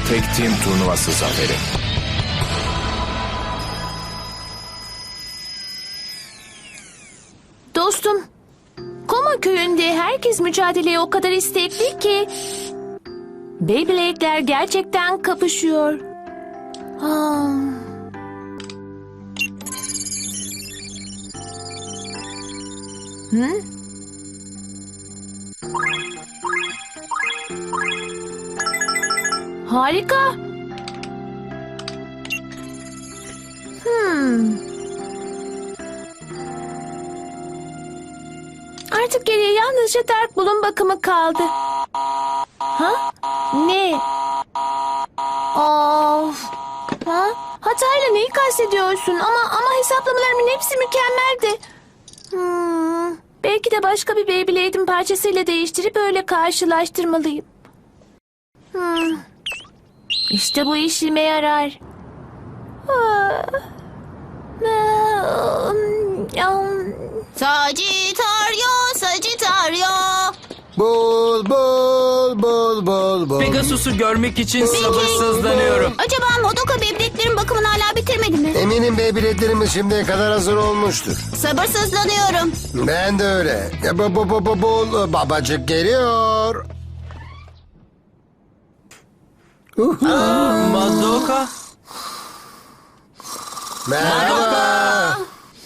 Tek Team turnuvası zaferi. Dostum, Koma köyünde herkes mücadeleye o kadar istekli ki... Beyblade'ler gerçekten kapışıyor. Ah. Hı? Harika. Artık geriye yalnızca Dark Bull'un bakımı kaldı. Ha? Ne? Of. Ha? Hatayla neyi kastediyorsun? Ama hesaplamalarımın hepsi mükemmeldi. Belki de başka bir Beyblade'in parçasıyla değiştirip öyle karşılaştırmalıyım. İşte bu işime yarar. Sagittario, Sagittario. Bul bul bul bul bul. Pegasus'u görmek için sabırsızlanıyorum. Acaba Madoka bebeklerin bakımını hala bitirmedi mi? Eminim Beyblade'lerimiz şimdiye kadar hazır olmuştur. Sabırsızlanıyorum. Ben de öyle. Bul babacık geliyor. Madoka. Merhaba.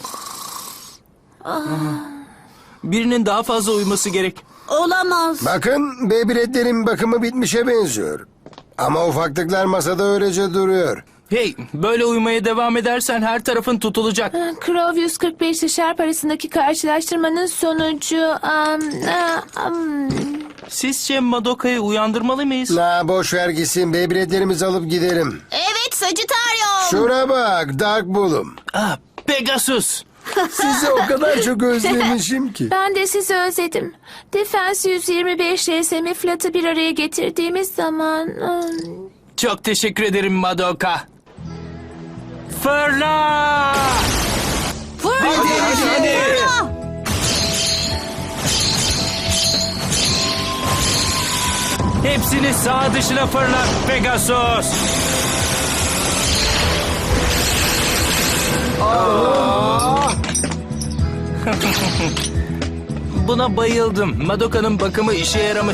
Birinin daha fazla uyuması gerek. Olamaz. Bakın Beyblade'lerin bakımı bitmişe benziyor. Ama ufaklıklar masada öylece duruyor. Hey, böyle uyumaya devam edersen her tarafın tutulacak. Crow 145 ile Sharp arasındaki karşılaştırmanın sonucu... Sizce Madoka'yı uyandırmalı mıyız? Boş ver gitsin, Beyblade'lerimizi alıp gidelim. Evet Sagittario. Şuna bak Dark Bull'um. Pegasus. Sizi o kadar çok özlemişim ki. Ben de sizi özledim. Defense 125 RSM Flat'ı bir araya getirdiğimiz zaman... Çok teşekkür ederim Madoka. Fırla! Hadi. Hepsini sağ dışına fırlat Pegasus. Buna bayıldım. Madoka'nın bakımı işe yaramış.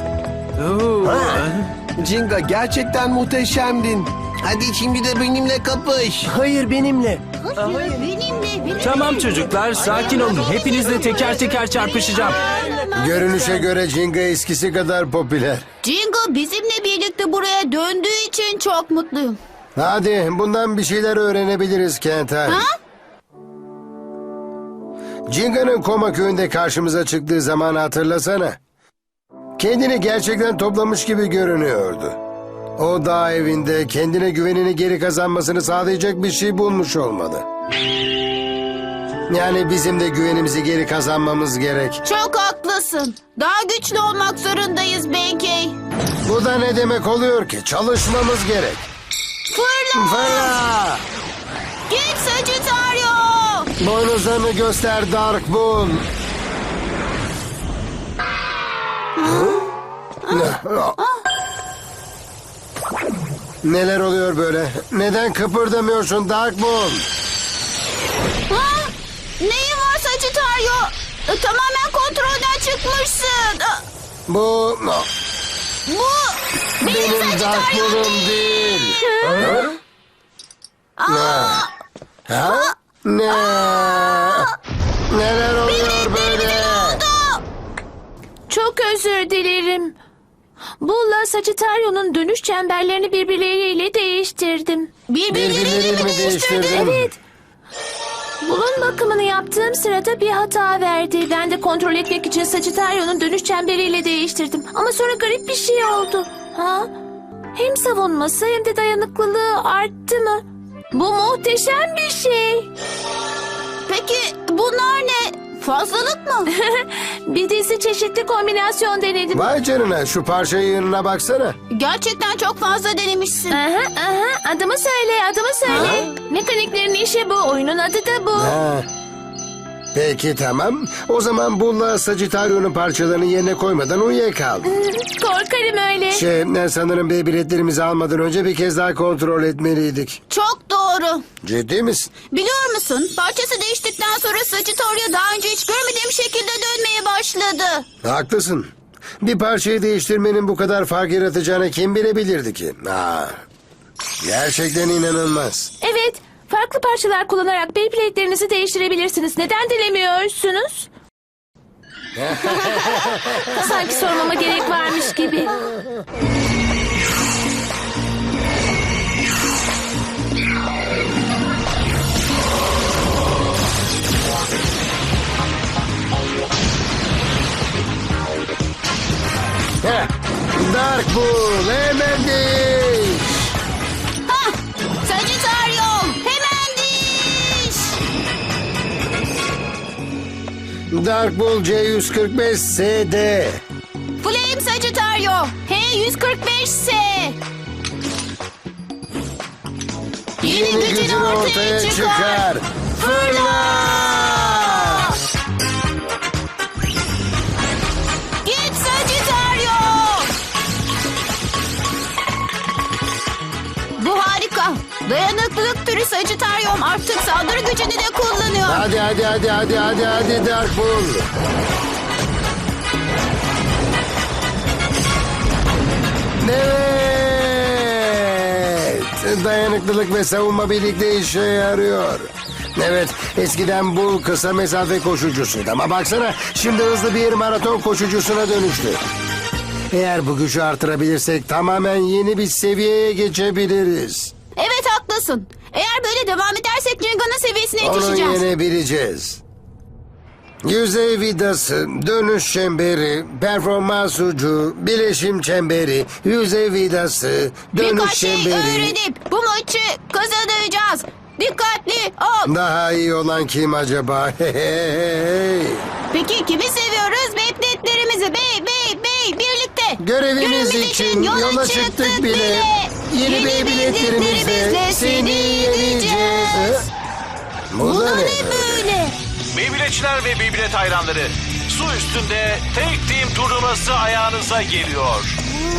Jinga gerçekten muhteşemdin. Hadi şimdi de benimle kapış. Hayır benimle. Benimle. Tamam çocuklar, sakin olun. Hepinizle teker teker çarpışacağım. Görünüşe göre Jinga eskisi kadar popüler. Jingo bizimle birlikte buraya döndüğü için çok mutluyum. Hadi bundan bir şeyler öğrenebiliriz Kentar. Ha? Jinga'nın Koma köyünde karşımıza çıktığı zamanı hatırlasana. Kendini gerçekten toplamış gibi görünüyordu. O dağ evinde kendine güvenini geri kazanmasını sağlayacak bir şey bulmuş olmalı. Yani bizim de güvenimizi geri kazanmamız gerek. Çok haklısın. Daha güçlü olmak zorundayız Benkei. Bu da ne demek oluyor ki? Çalışmamız gerek. Fırla! Fırla! Git Sagittario! Boynuzlarını göster Dark Bull. Neler oluyor böyle? Neden kıpırdamıyorsun Dark Bull? Ha? Neyin var Sagittario? Tamamen kontrolden çıkmışsın. Bu Bu benim benim Dark Sagittario Bull'um değil. Ha? Ne? Neler oluyor böyle? Çok özür dilerim. Bull'la Sagittario'nun dönüş çemberlerini birbirleriyle değiştirdim. Birbirleriyle mi değiştirdin? Evet. Bull'un bakımını yaptığım sırada bir hata verdi. Ben de kontrol etmek için Sagittario'nun dönüş çemberiyle değiştirdim. Ama sonra garip bir şey oldu. Ha? Hem savunması hem de dayanıklılığı arttı mı? Bu muhteşem bir şey. Peki bunlar ne? Fazlalık mı? Bir dizi çeşitli kombinasyon denedim. Vay canına, şu parça yığınına baksana. Gerçekten çok fazla denemişsin. Adımı söyle, adımı söyle. Mekaniklerin işi bu, oyunun adı da bu. Ha. Peki tamam. O zaman Bull'la Sagittario'nun parçalarını yerine koymadan uyuyakal. Korkarım öyle. Sanırım Beyblade'lerimizi almadan önce bir kez daha kontrol etmeliydik. Çok doğru. Ciddi misin? Biliyor musun? Parçası değiştikten sonra Sagittario daha önce hiç görmediğim şekilde dönmeye başladı. Haklısın. Bir parçayı değiştirmenin bu kadar fark yaratacağını kim bilebilirdi ki? Gerçekten inanılmaz. Evet, farklı parçalar kullanarak Beyblade'lerinizi değiştirebilirsiniz. Neden dilemiyorsunuz? Sanki sormama gerek varmış gibi. Dark Bull hemen değiş. Hah! Sagittario hemen diş! Dark Bull C145 SD. Flame Sagittario H145S. Yeni gücün ortaya çıkar. Fırla! Git Sagittario! Bu harika. Dayanıklılık türü Sagittario'm artık saldırı gücünü de kullanıyor. Hadi Dark Bull. Evet. Dayanıklılık ve savunma birlikte işe yarıyor. Evet, eskiden Bull kısa mesafe koşucusuydu ama baksana şimdi hızlı bir maraton koşucusuna dönüştü. Eğer bu gücü artırabilirsek tamamen yeni bir seviyeye geçebiliriz. Evet haklısın. Eğer böyle devam edersek Ringa'nın seviyesine Onu yetişeceğiz. yenebileceğiz. Yüzey vidası, dönüş çemberi, performans ucu, bileşim çemberi, yüzey vidası, dönüş Birkaç şey çemberi. öğrenip bu maçı kazanacağız. Dikkatli ol. Daha iyi olan kim acaba? Peki kimi seviyoruz? Beyblade'lerimizi birlikte. Görevimiz için yola çıktık bile. Yeni Beyblade'lerimizle seni yeneceğiz. Bu da ne böyle? Beyblade'çiler ve Beyblade hayranları, su üstünde tek team turnuvası ayağınıza geliyor.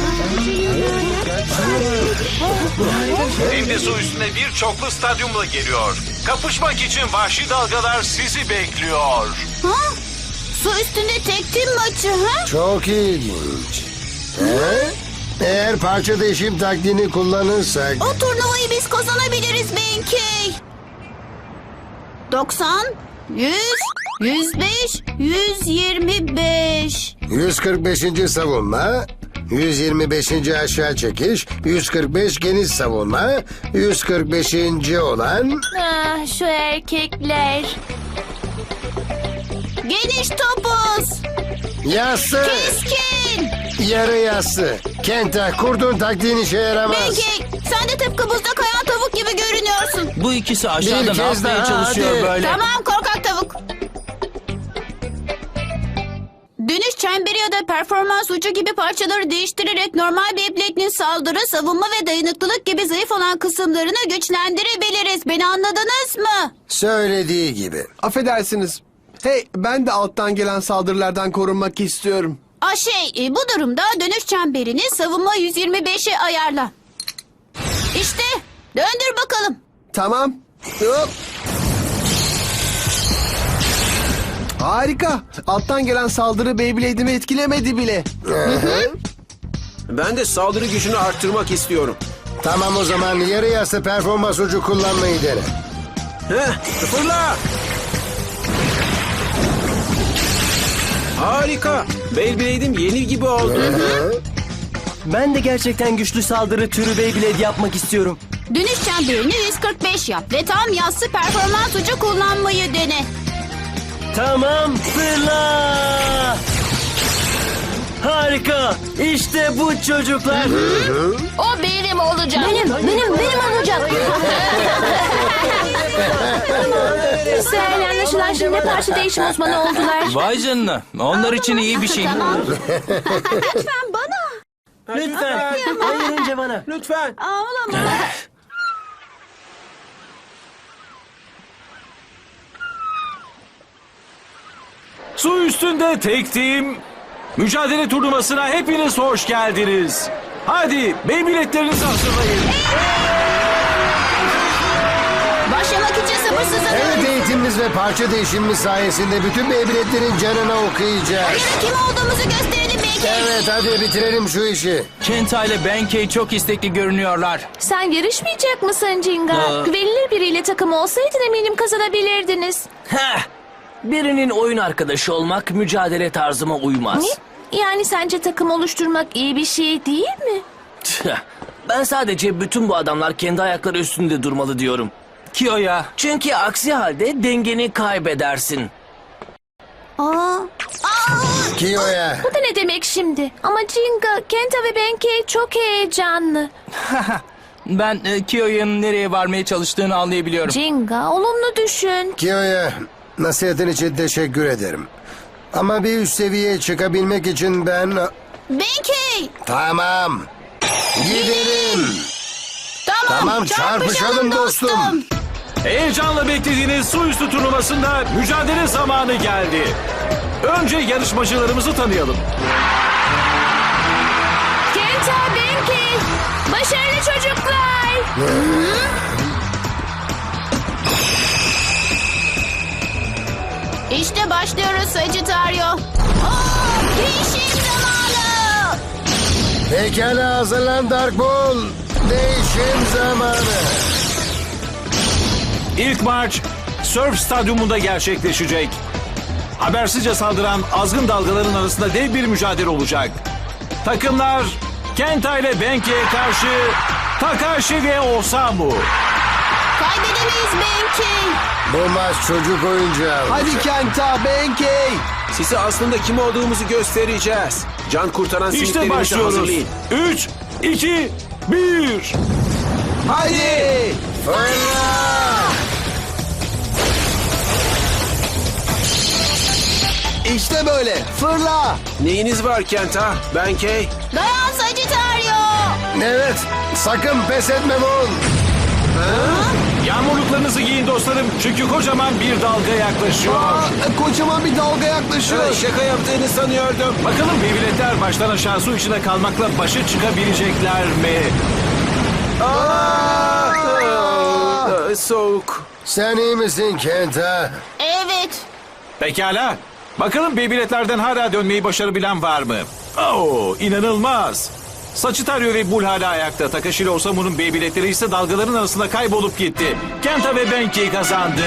Hem de su üstünde bir çoklu stadyumla geliyor. Kapışmak için vahşi dalgalar sizi bekliyor. Ha? Su üstünde tek tim maçı ha? Çok ilginç. He? Eğer parça değişim taktiğini kullanırsak... O turnuvayı biz kazanabiliriz Benkey. 90, 100, 105, 125. 145. savunma, 125. aşağı çekiş, 145 geniş savunma, 145. olan... Ah, şu erkekler. Geniş topuz. Yassı, Keskin. yarı yassı. Kenta, kurduğun taktiğin işe yaramaz. Benkey sen de tıpkı buzda kayan tavuk gibi görünüyorsun. Bu ikisi aşağıda Bir ne kez yapmaya daha, çalışıyor hadi. böyle? Tamam korkak tavuk. Dönüş çemberi ya da performans ucu gibi parçaları değiştirerek normal Beyblade'nin saldırı, savunma ve dayanıklılık gibi zayıf olan kısımlarını güçlendirebiliriz. Beni anladınız mı? Söylediği gibi. Affedersiniz. Hey, ben de alttan gelen saldırılardan korunmak istiyorum. Bu durumda dönüş çemberini savunma 125'e ayarla. İşte döndür bakalım. Tamam. Hop. Harika. Alttan gelen saldırı Beyblade'imi etkilemedi bile. Ben de saldırı gücünü arttırmak istiyorum. Tamam o zaman yarı yassı performans ucu kullanmayı dene. Fırla! Harika. Beyblade'im yeni gibi oldu. Ben de gerçekten güçlü saldırı türü Beyblade yapmak istiyorum. Dönüş çemberini 145 yap ve tam yassı performans ucu kullanmayı dene. Tamam, fırla! Harika! İşte bu çocuklar. O benim olacak. Benim olacak. Güzel, anlaşılan şimdi parça değişim uzmanı oldular. Vay canına. Onlar için iyi bir şey. Tamam. Lütfen. Hayır önce bana. Lütfen. Su üstünde tek team mücadele turnuvasına hepiniz hoş geldiniz. Hadi Beyblade'lerinizi hazırlayın. Başlamak için sabırsızlanıyorum. Evet, eğitimimiz ve parça değişimimiz sayesinde bütün Beyblade'lerin canına okuyacağız. Kim olduğumuzu gösterelim belki. Evet, hadi bitirelim şu işi. Kenta ile Benkei çok istekli görünüyorlar. Sen yarışmayacak mısın Jinga? Güvenilir biriyle takım olsaydın eminim kazanabilirdiniz. Heh. Birinin oyun arkadaşı olmak mücadele tarzıma uymaz. Ne? Yani sence takım oluşturmak iyi bir şey değil mi? Tüh. Ben sadece bütün bu adamlar kendi ayakları üstünde durmalı diyorum. Kiyo'ya. Çünkü aksi halde dengeni kaybedersin. Kiyo'ya. Bu da ne demek şimdi? Ama Jinga, Kenta ve Benkei çok heyecanlı. Ben Kiyo'nun nereye varmaya çalıştığını anlayabiliyorum. Jinga, olumlu düşün. Kiyo'ya nasihatin için teşekkür ederim. Ama bir üst seviyeye çıkabilmek için ben... Benkei. Tamam. Gidelim. Tamam, çarpışalım dostum. Heyecanla beklediğiniz su üstü turnuvasında mücadele zamanı geldi. Önce yarışmacılarımızı tanıyalım. Kenta, Benkei, başarılı çocuklar. İşte başlıyoruz Sagittario. Değişim zamanı. Pekala, hazırlan Dark Bull. Değişim zamanı. İlk maç Surf Stadyumunda gerçekleşecek. Habersizce saldıran azgın dalgaların arasında dev bir mücadele olacak. Takımlar Kenta ile Benkei'ye karşı Takashi ve Osamu. Kaybedemeyiz Benkei. Bu maç çocuk oyuncağı. Hadi Kenta, Benkei. Size aslında kim olduğumuzu göstereceğiz. Can kurtaran İşte simitlerinizi başlıyoruz. hazırlayın. 3, 2, 1. Hadi! Fırla! İşte böyle. Fırla. Neyiniz var Kenta? Benkei? Dayan Sagittario. Evet, sakın pes etme Bull. Yağmurluklarınızı giyin dostlarım çünkü kocaman bir dalga yaklaşıyor. Kocaman bir dalga yaklaşıyor. Şaka yaptığını sanıyordum. Bakalım Beyblade'ler baştan aşağı su içinde kalmakla başa çıkabilecekler mi? Soğuk. Sen iyi misin Kenta? Evet. Pekala. Bakalım Beyblade'lerden hala dönmeyi başarabilen var mı? Oo, inanılmaz. Sagittario ve Bull hala ayakta. Takashi ile Osamu'nun Beyblade'leri ise dalgaların arasında kaybolup gitti. Kenta ve Benkei kazandı.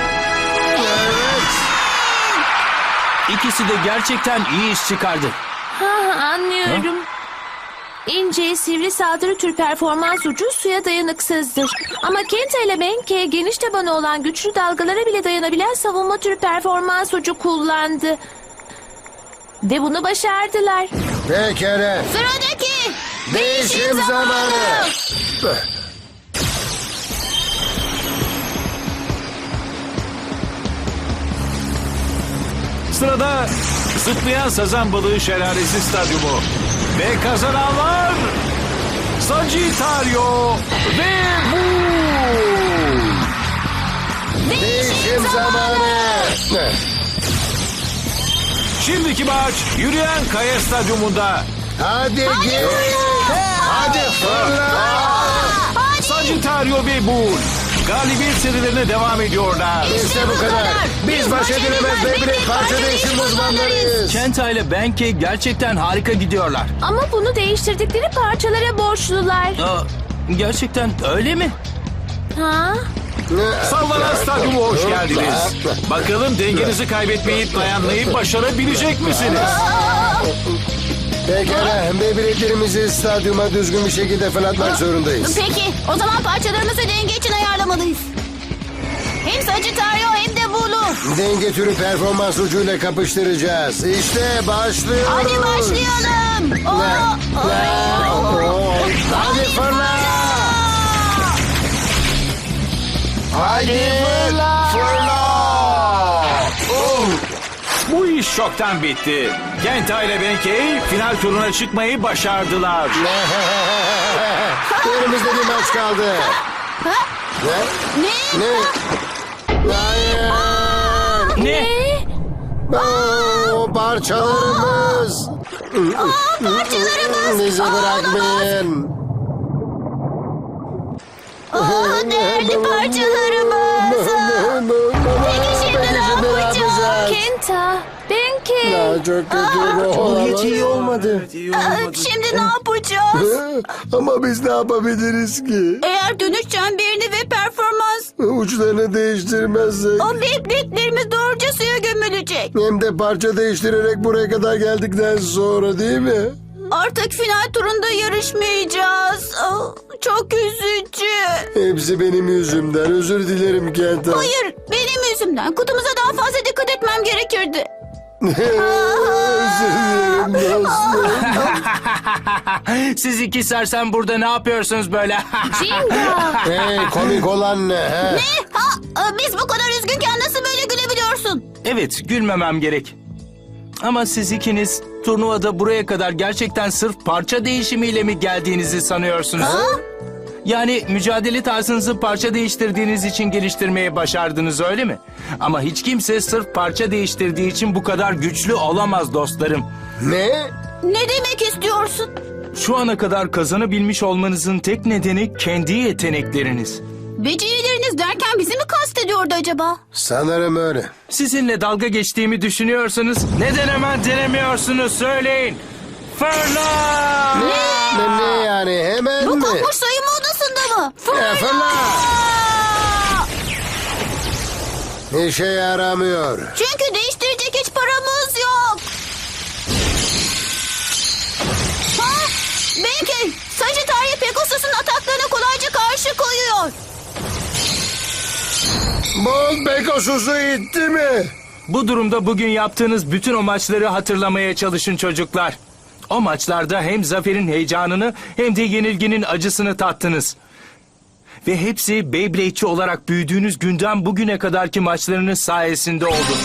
İkisi de gerçekten iyi iş çıkardı. Anlıyorum. İnce, sivri saldırı tür performans ucu suya dayanıksızdır. Ama Kenta ile Benkei geniş tabanı olan güçlü dalgalara bile dayanabilen savunma tür performans ucu kullandı. Ve bunu başardılar. Pekala. Sıradaki. Değişim zamanı. Sırada zıplayan sazan balığı şelalesi stadyumu. Ve kazananlar Sagittario ve Bull. Değişim zamanı. Şimdiki maç yürüyen kaya stadyumunda. Hadi git. Hadi fırla. Sagittario ve Bull galibiyet serilerine devam ediyorlar. İşte bu kadar. Biz baş edilemez Beyblade parça değişim uzmanlarıyız. Kenta ile Benkei gerçekten harika gidiyorlar. Ama bunu değiştirdikleri parçalara borçlular. Gerçekten öyle mi? Ha? Sallanan stadyuma hoş geldiniz. Bakalım dengenizi kaybetmeyip dayanmayı başarabilecek misiniz? Pekala, Beyblade'lerimizi stadyuma düzgün bir şekilde fırlatmak zorundayız. Peki o zaman parçalarımızı denge için ayarlamalıyız. Hem Sagittario hem de Bull'u. Denge türü performans ucuyla kapıştıracağız. İşte başlıyoruz. Hadi başlayalım. Hadi fırla. Hadi fırla. Bu iş çoktan bitti. Kenta ile Benkei final turuna çıkmayı başardılar. Elimizde bir maç kaldı. Ne? Ne? Hayır. Ne? Aa! Parçalarımız. Parçalarımız. Bizi bırakmayın. Değerli parçalarımız. Peki şimdi ne yapacağız? Kenta, Benkei. Çok kötü Bu hiç iyi olmadı. Şimdi ne yapacağız? Ama biz ne yapabiliriz ki? Eğer dönüş çemberini ve performans Uçlarını değiştirmezsek. o Beyblade'lerimiz doğruca suya gömülecek. Hem de parça değiştirerek buraya kadar geldikten sonra değil mi? Artık final turunda yarışmayacağız. Çok üzücü. Hepsi benim yüzümden. Özür dilerim Kenta. Hayır, benim yüzümden. Kutumuza daha fazla dikkat etmem gerekirdi. Özür dilerim dostum. Siz iki sersem burada ne yapıyorsunuz böyle? Jinga. Hey, komik olan ne? He? Biz bu kadar üzgünken nasıl böyle gülebiliyorsun? Evet, gülmemem gerek. Ama siz ikiniz turnuvada buraya kadar gerçekten sırf parça değişimiyle mi geldiğinizi sanıyorsunuz? Yani mücadele tarzınızı parça değiştirdiğiniz için geliştirmeye başardınız öyle mi? Ama hiç kimse sırf parça değiştirdiği için bu kadar güçlü olamaz dostlarım. Ne? Ne demek istiyorsun? Şu ana kadar kazanabilmiş olmanızın tek nedeni kendi yetenekleriniz. Becerileriniz derken bizi mi kastediyordu acaba? Sanırım öyle. Sizinle dalga geçtiğimi düşünüyorsanız neden hemen denemiyorsunuz söyleyin. Fırla! Ne yani hemen Bu mi? kokmuş soyunma odasında mı? Fırla! İşe yaramıyor. Çünkü değiştirecek hiç paramız yok. Belki Sagittaria Pegasus'un ataklarına kolayca karşı koyuyor. Bolt Pegasus'u itti mi? Bu durumda bugün yaptığınız bütün o maçları hatırlamaya çalışın çocuklar. O maçlarda hem zaferin heyecanını hem de yenilginin acısını tattınız. Ve hepsi Beyblade'çi olarak büyüdüğünüz günden bugüne kadarki maçlarınız sayesinde oldu.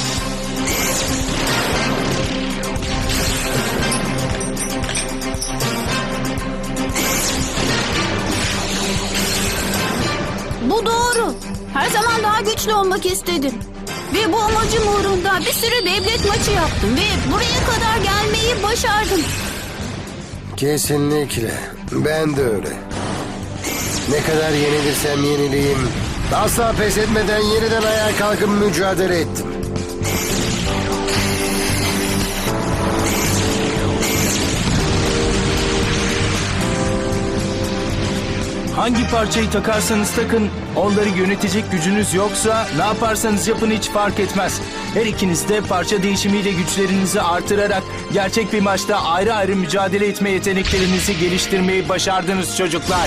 Bu doğru. Her zaman daha güçlü olmak istedim. Ve bu amacım uğrunda bir sürü Beyblade maçı yaptım. Ve buraya kadar gelmeyi başardım. Kesinlikle. Ben de öyle. Ne kadar yenilirsem yenileyim. Asla pes etmeden yeniden ayağa kalkıp mücadele ettim. Hangi parçayı takarsanız takın, onları yönetecek gücünüz yoksa ne yaparsanız yapın hiç fark etmez. Her ikiniz de parça değişimiyle güçlerinizi artırarak gerçek bir maçta ayrı ayrı mücadele etme yeteneklerinizi geliştirmeyi başardınız çocuklar.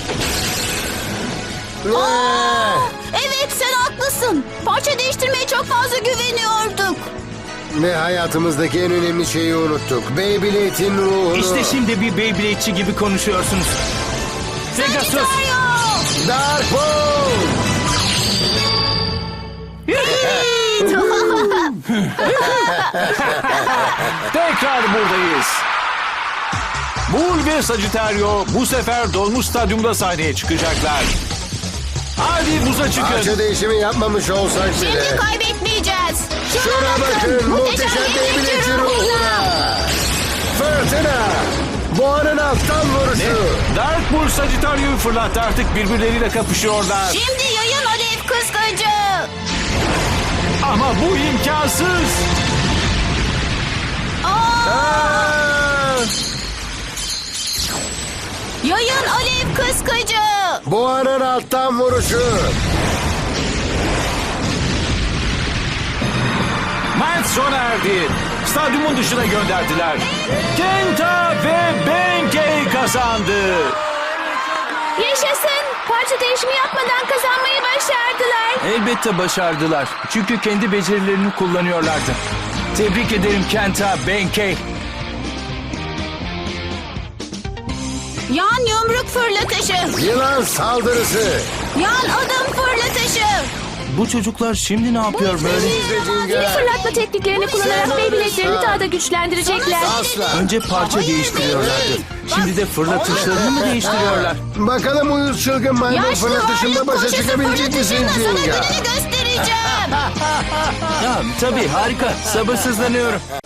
Evet sen haklısın. Parça değiştirmeye çok fazla güveniyorduk. Ve hayatımızdaki en önemli şeyi unuttuk. Beyblade'in ruhunu. İşte şimdi bir Beyblade'çi gibi konuşuyorsunuz. Pegasus! Dark Ball! Tekrar buradayız. Bull ve Sagittario bu sefer dolmuş stadyumda sahneye çıkacaklar. Hadi buza çıkın. Parça değişimi yapmamış olsak bile. Şimdi kaybetmeyeceğiz. Şuna bakın muhteşem Beyblade'in ruhuna. Fırtına. Boğanın alttan vuruşu. Dark Bull Sagittario'yu fırlattı, artık birbirleriyle kapışıyorlar. Şimdi yayın alev kıskacı. Ama bu imkansız. Yayın alev kıskacı. Boğanın alttan vuruşu. Maç sona erdi. Stadyumun dışına gönderdiler. Kenta ve Benkei kazandı. Yaşasın. Parça değişimi yapmadan kazanmayı başardılar. Elbette başardılar. Çünkü kendi becerilerini kullanıyorlardı. Tebrik ederim Kenta, Benkei. Yan yumruk fırlatışı. Yılan saldırısı. Yan adım fırlatışı. Bu çocuklar şimdi ne yapıyor böyle? Yeni fırlatma tekniklerini kullanarak Beyblade'lerini daha da güçlendirecekler. Asla. Önce parça değiştiriyorlardı. Şimdi de fırlatışlarını mı değiştiriyorlar? Bakalım uyuz çılgın maymun Yaşlı fırlatışında varlık başa koşusu çıkabilecek misin fırlatışında sana Jinga? gününü göstereceğim. Ya, tabii harika. Sabırsızlanıyorum.